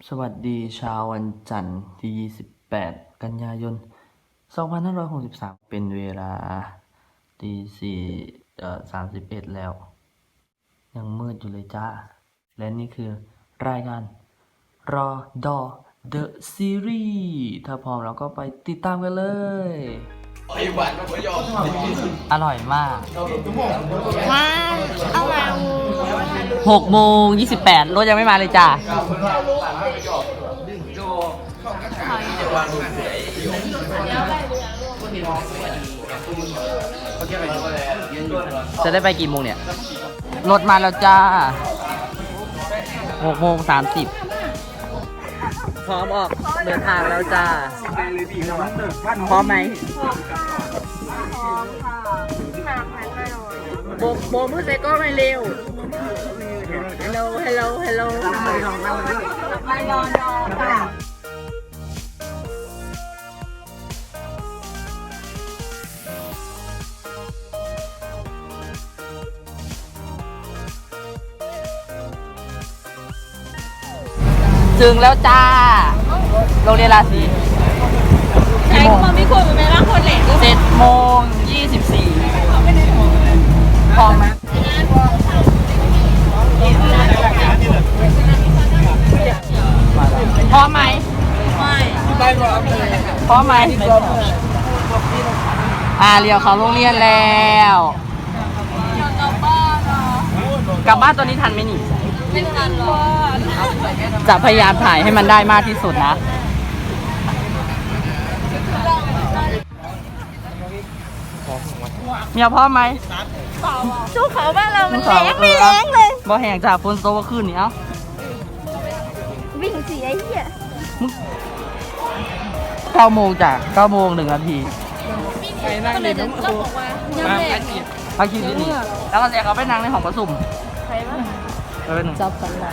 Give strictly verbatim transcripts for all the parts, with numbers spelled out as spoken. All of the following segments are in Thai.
สวัสดีเช้าวันจันทร์ที่ยี่สิบแปดกันยายนสองพันห้าร้อยหกสิบสามเป็นเวลาตีสี่เอ่อสามสิบเอ็ดแล้ว ยังมืดอยู่เลยจ้า และนี่คือรายการรอดอ The Series ถ้าพร้อมเราก็ไปติดตามกันเลย อร่อยมากว้าวเอามาหกโมงยี่สิบแปดรถยังไม่มาเลยจ้า จะได้ไปกี่โมงเนี่ย รถมาแล้วจ้าหกโมงสามสิบพร้อมออกเดินทางแล้วจ้า พร้อมไหมโบโบมือใส่ก้อนไม่เร็ว Hello Hello Hello ไม่รอรอค่ะถึงแล้วจ้า โรงเรียนราศีใช่คนไม่ควรเป็นร่างคนเหล็กเจ็ดโมงยี่สิบสี่พร้อมไหมพร้อมไหมไม่พร้อมไหมอ่าเรียวเขาโรงเรียนแล้วกลับบ้านอ่ะกลับบ้านตอนนี้ทันไหมนี่ไม่ทันหรอกจะพยายามถ่ายให้มันได้มากที่สุดนะเมียพร้อมไหมชูเขาบ้านเรามันแรงไม่แรงเลยบ่แห่งจากฝนโตก็ขึ้นนี่เอ้าวิ่งสีไอ้เหี้ยเก้าโมงจากเก้าโมงหนึ่งนาทีไปนั่งเด็กน้ำบอกว่ายังแรงพักคิวที่นี่แล้วก็เรียกเขาไปนั่งในห้องประชุมใครบ้างไปเป็นหนึ่งจับกันไหล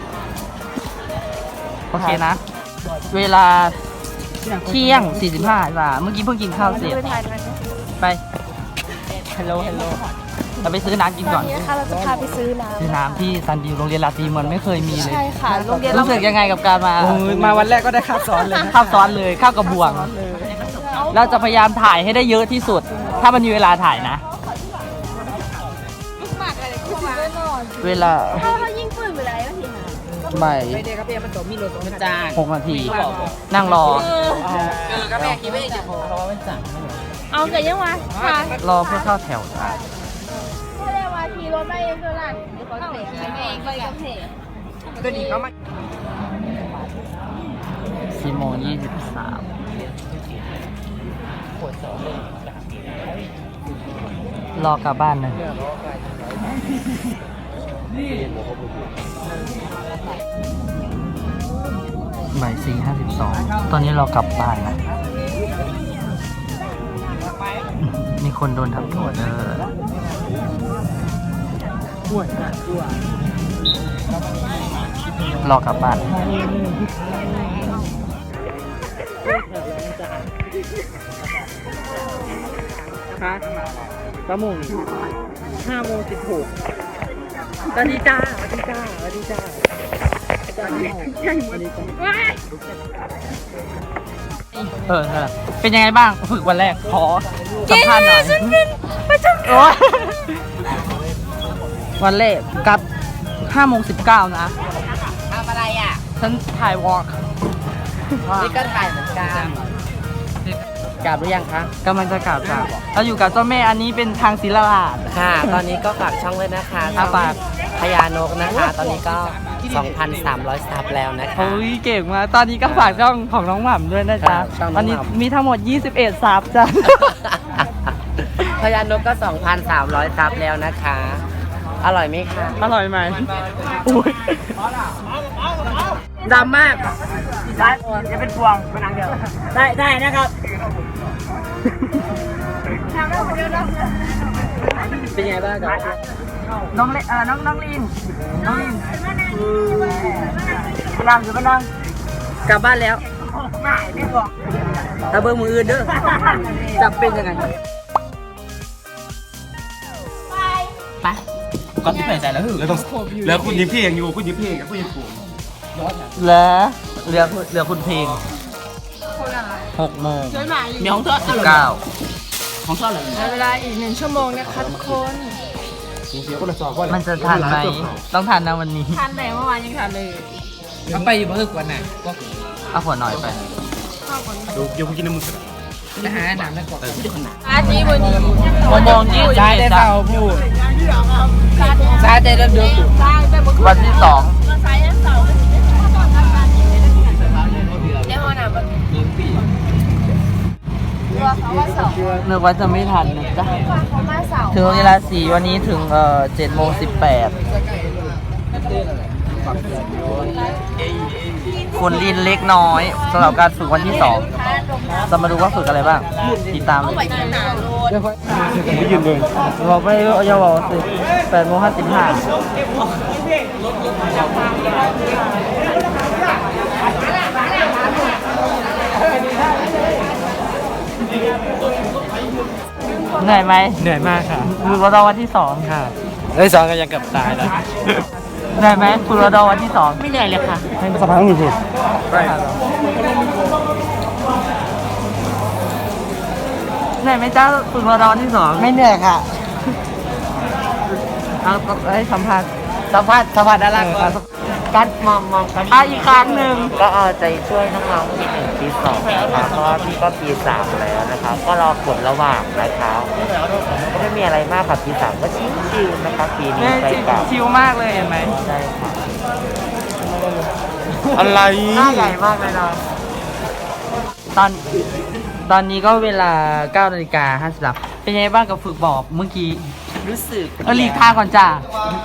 โอเคนะ เวลาเที่ยงสี่สิบห้าจ้ะเมื่อกี้เพิ่งกินข้าวเสร็จไปถ่ายกันไป ฮัลโหล ฮัลโหล เราไปซื้อน้ำกินก่อนนี่นะคะเราจะพาไปซื้อน้ซื้อน้ำที่ซันดิวโรงเรียนราตรีมันไม่เคยมีำเลยใช่ค่ะโรงเรียนรู้สึกยังไงกับการมาโอ้ยมาวันแรกก็ได้ข้าวซ้อนเลยนะข้าวซ้อนเลยข้าวกระบวง เราจะพยายามถ่ายให้ได้เยอะที่สุด ถ้ามันมีเวลาถ่ายนะหมากอะไรคู่มาเวลาถ้าเขายิงปืนไปแล้วทีนะบ่ายไม่ได้ครับพี่มันตัวมีรถมันจ้างหกนาที นั่งรอเออก็แม่คิดไม่ได้จะพอเพราะว่ามันสั่งเอาเกิดยังวะค่ะรอเพื่อเข้าแถวจ้ะไม่ได้ว่าขี่รถไปเองเท่านั้นเดี๋ยวเขาเตะขี่เองไปกับเตะตัวนี้เขามาสี่โมงยี่สิบสามรอกลับบ้านนะบ่ายสี่ห้าสิบสองตอนนี้เรากลับบ้านนะ มีคนโดนทำโทษเออรอกลับบ้านฮะสามโมงห้าโมงสิบหกสวัสดีจ้าสวัสดีจ้าสวัสดีจ้าสวัสดีจ้าเออเออเป็นยังไงบ้างฝึกวันแรก ขอสัมภาษณ์หน่อยฉันเป็นประจำโอ๊ยวันแรกกลับห้าโมงสิบเก้านะทำอะไรอ่ะฉันถ่ายวอล์กนี่ก็ถ่ายเหมือนกันกลับหรือยังคะกำลังจะกลับจ้ะเราอยู่กับเจ้าแม่อันนี้เป็นทางศิลาดค่ะ ตอนนี้ก็ฝากช่องเลยนะคะอ่ะฝากพญานกนะคะ ตอนนี้ก็ สองพันสามร้อย ซับแล้วนะคะโอ้ยเก่งมากตอนนี้ก็ฝากช่องของน้องหม่ำด้วยนะจ๊ะครับช่องน้ตออน งหม่ำนี้มีทั้งหมดยี่สิบเอ็ดซับจ้ะพญานกก็ สองพันสามร้อย ซับแล้วนะคะ อร่อยไหมคะอร่อยไหมอุ้ยดำมากได้จะเป็นพวงเป็นนางเดียวได้ได้นะครับเป็นไงบ้างจ๊ะน้องเลเออน้องน้องลินน้องลินไปนั่งอยู่ไปนั่งกลับบ้านแล้วถ้าเบอร์มืออื่นเด้อจะเป็นยังไงไปก็ที่ใส่ใจแล้วคือแล้วต้องแล้วคุณยิ้มเพลงอยู่คุณยิ้มเพลงกับคุณยิ้มผมเหลือเหลือเหลือคุณเพลงหกโมงมีของเธอสิบเก้าของเธอเลยเวลาอีกหนึ่งชั่วโมงนะคะทุกคนมันจะทันไหมต้องทันนะวันนี้ทานไหนเมื่อวานยังทานเลยเอาไปอยู่เพิ่งวันน่ะก็เอาหัวหน่อยไปเดี๋ยวเดี๋ยวกูกินน้ำมึงก่อนไปหาหนังนั่นก่อนอาจีวันนี้หกโมงยี่สิบได้ได้เอ็ดเปล่าพูดซาได้เริ่มเดือดใช่ไปบุกวันที่สองมาสายยันเสาร์เดี๋ยวหน่ะมันว่าเขาว่าเสาร์นึกว่าจะไม่ทันนะจ๊ะว่าเขามาเสาร์ถึงเวลาสี่วันนี้ถึงเอ่อเจ็ดโมงสิบแปดคุณลินเล็กน้อยสำหรับการฝึกวันที่สองจะมาดูว่าฝึกอะไรบ้างติดตามเลยไปที่หนาโรดไปยืนเบิ่งบอกไม่อย่าบอกสิแปดโมงห้าสิบห้าเหนื่อยไหมเหนื่อยมากค่ะฝึกรอดอวันที่สองค่ะไอ้สองก็ยังเกับตายแล้วเหนื่อยไหมฝึกรอดอวันที่สองไม่เหนื่อยเลยค่ะให้สะพานต้องอยู่สุดเหนื่อยไหมจ้าฝึกรอดอวันที่สองไม่เหนื่อยค่ะเอาให้สัมภาษณ์สัมภาษณ์สัมภาษณ์ดาราก่อนการมองมองกันอ่ะอีกครั้งหนึ่งก็เอาใจช่วยน้องๆปีหนึ่งปีสองนะครับเพราะว่าพี่ก็ปีสามแล้วนะครับ ก็รอผลระหว่างนะครับก็ไม่มีอะไรมากครับปีสามก็ชิวๆนะครับปีนี้เนี่ยไปกับชิวมากเลยเห็นไหมใช่ครับอะไรหน้าใหญ่มากเลยนะตอนตอนนี้ก็เวลาเก้านาฬิกาห้าสิบสามเป็นยังไงบ้างกับฝึกบอกเมื่อกี้รู้สึกเออหลีกทางก่อนจ้า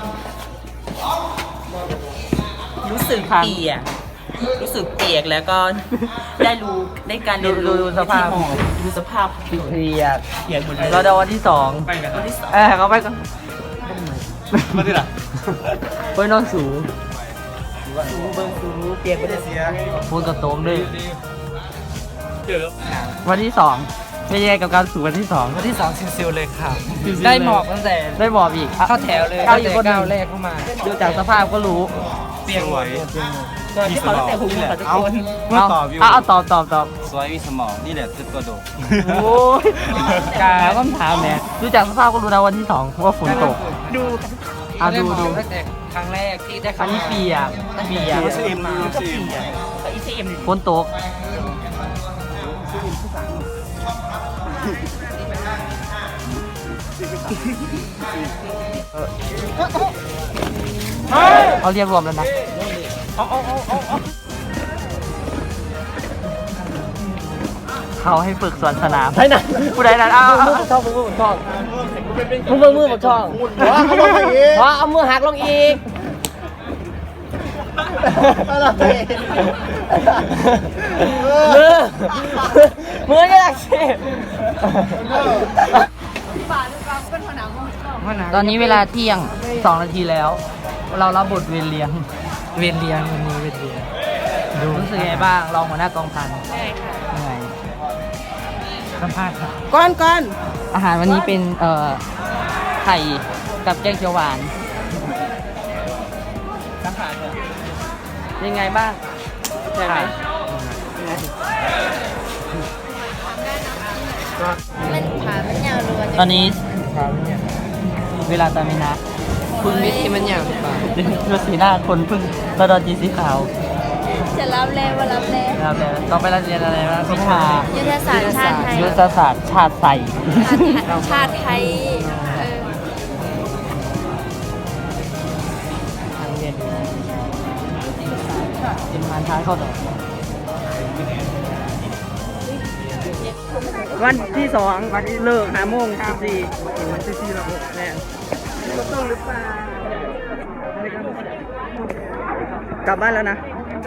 รู้สึกเปียกรู้สึกเปียกแล้วก็ได้รู้ได้การเรียนดูรู้ดูสภาพดูสภาพเครียดเปียกหมดเลยรอดอวันที่สองวันที่สองเออเขาไปก่อนมาที่ไหนไปนอนสูเบิ้งซูเปียกไม่ได้เสียพูดกับโต้งด้วยเดี๋ยววันที่สองเป็นยังไงกับการฝึกวันที่สองวันที่สองซิลๆเลยค่ะได้ได้หหมมออก กตั้งแต่ได้บอกอีกเข้าแถวเลยเข้าอีกคนหนึ่งก้าวแรกเข้ามาดูจากสภาพก็รู้เปียกสหมวดยตอนที่เขาตั้งแต่หูเขาทุกคนเมื่อตอบอยู่เอาเอาตอบตอบตอบสวยมีสมองนี่แหละคือตัวโดดโอ้ยกาคำถามเนี่ยดูจากสภาพก็รู้นะวันที่สองว่าฝนตกดูอ่ะดูดูตั้งแต่ครั้งแรกที่ได้อัเข้านนี้เปียกเปียกซีเอ็มมาซีเอ็มอีซีเอ็มฝนตกเขาเรียกรวมแล้วนะเขาให้ฝึกสวนสนามใช่นะผู้ใดนั้นเอามือผมชอบมือผมชอบมือมือมือผมชอบว้าเขาลงอีกว้าเอามือหักลงอีกมือมือนี่แหละสิตอนนี้เวลาเที่ยงสองนาทีแล้ว เรารับบทเวรเลี้ยงเวียนเลี้ยงวันนี้เวียนเลี้ยงรู้สึกไงบ้างรองหัวหน้ากองพันเหนื่อยสัมภาษณ์ครับก้อนก้อนอาหารวันนี้เป็นเอ่อไข่กับแกงเขียวหวานสัมภาษณ์ยังไงบ้างใช่ไหมมันขามันยาวรัวตอนนี้เวลาตามินะคุณมิตรที่มันยาวหรือเปล่าดูสีหน้าคนเพิ่งระดอนจีสีขาวจะรับแลว่ารับแลนะครับแล้วต่อไปเราเรียนอะไรนะวิชายุทธศาสตร์ชาติไทยยุทธศาสตร์ชาติไทยชาติไทยเออเป็นมานท้ายเข้าต่อวันที่สองวันที่เลิกหาโมงสิบสี่วันที่สี่ระบบแน่ต้องหรือเปล่ากลับบ้านแล้วนะ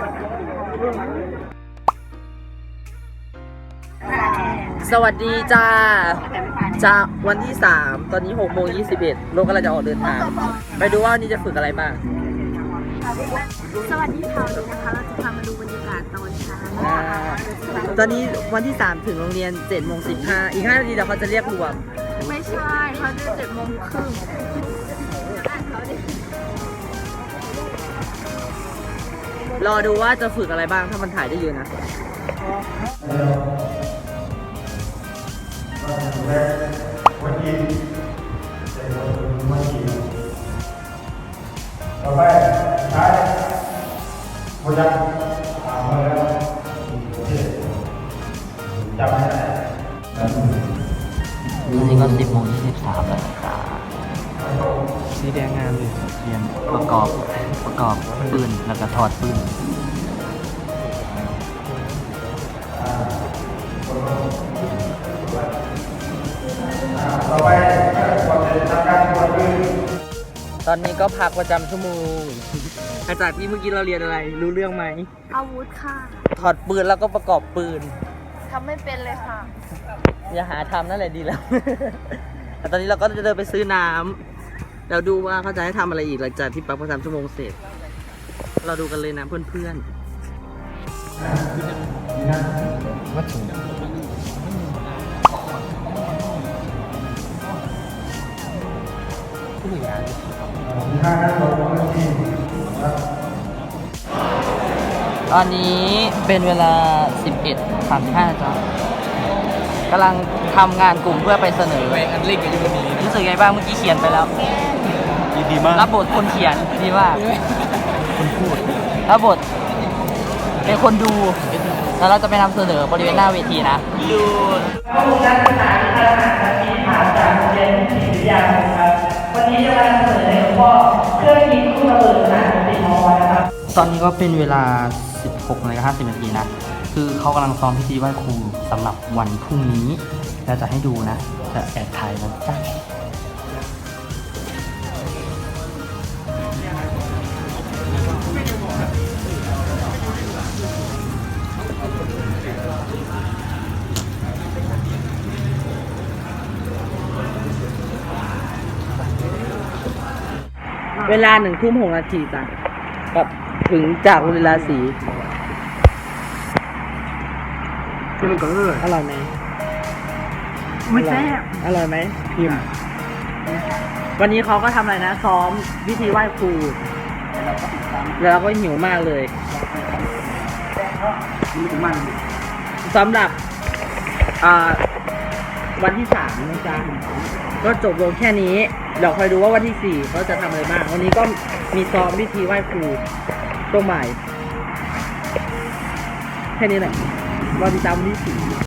สวัสดีจ้าจะวันที่สามตอนนี้หกโมงยี่สิบเอ็ดรถกำลังจะออกเดินทาง ไปดูว่าวันนี้จะฝึกอะไรบ้างสวัสดีค่ะวันนี้นะคะเราจะพามาดูบรรยากาศตอนเช้าอ่าตอนนี้วันที่สามถึงโรงเรียนเจ็ดโมงสิบห้าอีกห้านาทีเดี๋ยวเขาจะเรียกรวมไม่ใช่เขาจะเจ็ดโมงครึ่งเรอดูว่าจะฝึกอะไรบ้างถ้ามันถ่ายได้เยอะนะต่อไปใช้บริษัทถามมาแล้วจำไม่ได้ตอนนี้ก็สิบโมงยี่สิบสามแล้วนะครับสีแดงงามเลยเรียนประกอบประกอบปืนแล้วก็ถอดปืนต่อไปก่อนจะทำการตรวจปืนตอนนี้ก็พักประจำชั่วโมง อาจารย์ที่เมื่อกี้เราเรียนอะไร รู้เรื่องไหมอาวุธค่ะถอดปืนแล้วก็ประกอบปืนทำไม่เป็นเลยค่ะอย่าหาทำนั่นแหละดีแล้ว แต่ตอนนี้เราก็จะเดินไปซื้อน้ำเราดูว่าเขาจะให้ทำอะไรอีกหลังจากที่พักประจำชั่วโมงเสร็จ เราดูกันเลยนะเพื่อนๆวัตถุตอนนี้เป็นเวลา สิบเอ็ดสามสิบห้าจ้ะกำลังทำงานกลุ่มเพื่อไปเสนออันเล็กกับยูนีรู้สึกไงบ้างเมื่อกี้เขียนไปแล้วดีมากรับบทคนเขียนดีมากคนพูดรับบทเป็นคนดูแล้วเราจะไปนำเสนอบริเวณหน้าเวทีนะดูข้อมูลการศึกษาที่ทางมหาวิทยาลัยถามจากโรงเรียนศิริยาคมครับ วันนี้จะมานำเสนอในหัวข้อเครื่องคิดคู่ระเบิดขนาดสิบมอนะครับตอนนี้ก็เป็นเวลา สิบหกนาฬิกาห้าสิบนาทีนะ คือเขากำลังซ้อมพิธีไหว้ครูสำหรับวันพรุ่งนี้เราจะให้ดูนะ จะแอบถ่ายนะจ๊ะเวลาหนึ่งทุ่มหกนาทีจ้ะกับถึงจากเวลาสีที่มันก็เลยอร่อยไหมไม่แซ่บอร่อยไหมพิมพ์วันนี้เขาก็ทำอะไรนะ ซ้อมพิธีไหว้ครู แล้วเราก็หิวมากเลยมันถึงมันสำหรับอ่าวันที่สามนะจ๊ะก็จบลงแค่นี้เดี๋ยวคอยดูว่าวันที่สี่เขาจะทำอะไรบ้าง วันนี้ก็มีซ้อมพิธีไหว้ครูตัวใหม่ แค่นี้แหละรอติดตามวันที่สี่